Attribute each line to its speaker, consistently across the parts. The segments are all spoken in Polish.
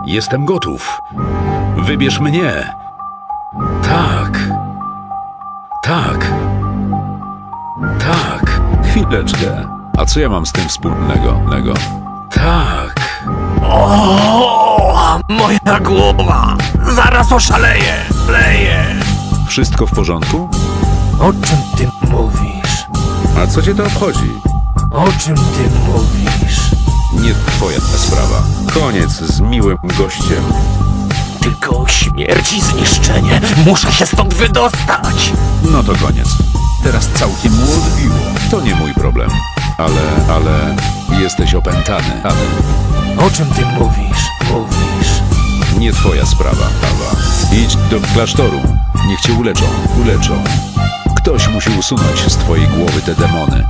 Speaker 1: Jestem gotów. Wybierz mnie. Tak. Tak. Tak.
Speaker 2: Chwileczkę. A co ja mam z tym wspólnego?
Speaker 1: Tak.
Speaker 3: O, moja głowa! Zaraz oszaleję! Leję!
Speaker 2: Wszystko w porządku?
Speaker 3: O czym ty mówisz?
Speaker 2: A co cię to obchodzi?
Speaker 3: O czym ty mówisz?
Speaker 2: Nie twoja sprawa. Koniec z miłym gościem.
Speaker 3: Tylko śmierć i zniszczenie. Muszę się stąd wydostać!
Speaker 2: No to koniec. Teraz całkiem mu odbiło. To nie mój problem. Ale jesteś opętany.
Speaker 3: O czym ty mówisz?
Speaker 2: Nie twoja sprawa. Idź do klasztoru. Niech cię uleczą. Ktoś musi usunąć z twojej głowy te demony.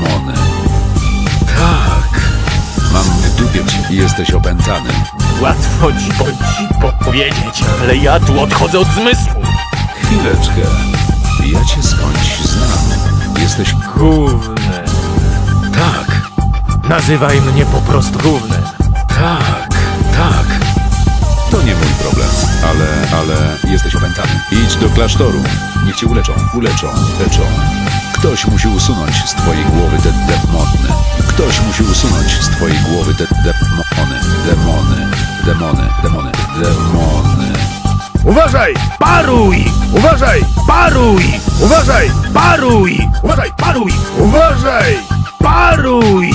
Speaker 1: Tak.
Speaker 2: Mam w dupie cię. Jesteś opętany.
Speaker 3: Łatwo ci powiedzieć, ale ja tu odchodzę od zmysłu.
Speaker 2: Chwileczkę. Ja cię skądś znam. Jesteś
Speaker 3: Gównem.
Speaker 1: Tak.
Speaker 3: Nazywaj mnie po prostu gównem.
Speaker 1: Tak. Tak.
Speaker 2: To nie mój problem, ale jesteś opętany. Idź do klasztoru. Niech cię uleczą. Ktoś musi usunąć z twojej głowy te demony. Ktoś musi usunąć z twojej głowy te demony.
Speaker 3: Uważaj! Paruj! Uważaj! Paruj! Uważaj! Paruj! Uważaj! Paruj! Uważaj! Paruj!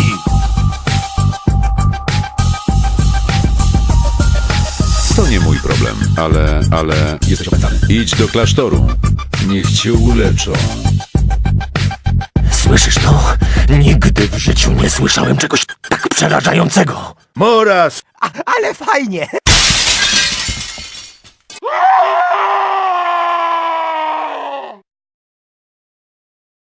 Speaker 2: To nie mój problem, ale jesteś opętany. Idź do klasztoru. Niech cię uleczą.
Speaker 3: Słyszysz to? Nigdy w życiu nie słyszałem czegoś tak przerażającego.
Speaker 4: Moraz!
Speaker 3: Ale fajnie!